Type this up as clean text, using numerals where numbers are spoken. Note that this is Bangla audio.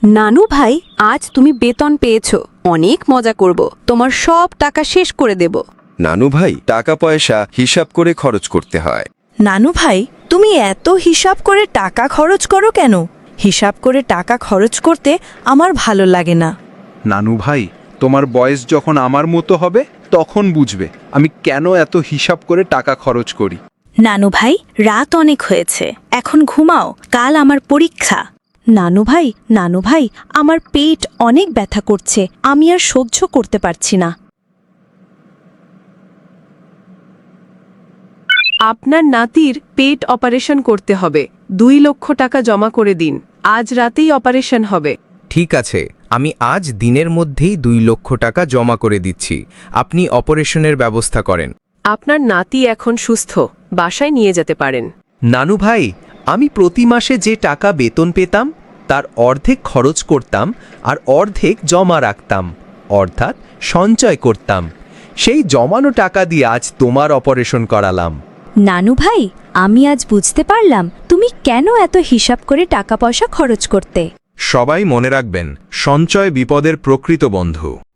নানু ভাই, আজ তুমি বেতন পেয়েছো, অনেক মজা করব, তোমার সব টাকা শেষ করে দেব। নানু ভাই, টাকা পয়সা হিসাব করে খরচ করতে হয়। নানু ভাই, তুমি এত হিসাব করে টাকা খরচ করো কেন? হিসাব করে টাকা খরচ করতে আমার ভালো লাগে না। নানু ভাই, তোমার বয়স যখন আমার মতো হবে তখন বুঝবে আমি কেন এত হিসাব করে টাকা খরচ করি। নানু ভাই, রাত অনেক হয়েছে, এখন ঘুমাও, কাল আমার পরীক্ষা। নানু ভাই, আমার পেট অনেক ব্যথা করছে, আমি আর সহ্য করতে পারছি না। আপনার নাতির পেট অপারেশন করতে হবে, 2 লক্ষ টাকা জমা করে দিন, আজ রাতেই অপারেশন হবে। ঠিক আছে, আমি আজ দিনের মধ্যেই 2 লক্ষ টাকা জমা করে দিচ্ছি। আপনি অপারেশনের ব্যবস্থা করেন। আপনার নাতি এখন সুস্থ, বাসায় নিয়ে যেতে পারেন। নানু ভাই, আমি প্রতি মাসে যে টাকা বেতন পেতাম তার অর্ধেক খরচ করতাম আর অর্ধেক জমা রাখতাম, অর্থাৎ সঞ্চয় করতাম। সেই জমানো টাকা দিয়ে আজ তোমার অপারেশন করালাম। নানু ভাই, আমি আজ বুঝতে পারলাম তুমি কেন এত হিসাব করে টাকা পয়সা খরচ করতে। সবাই মনে রাখবেন, সঞ্চয় বিপদের প্রকৃত বন্ধু।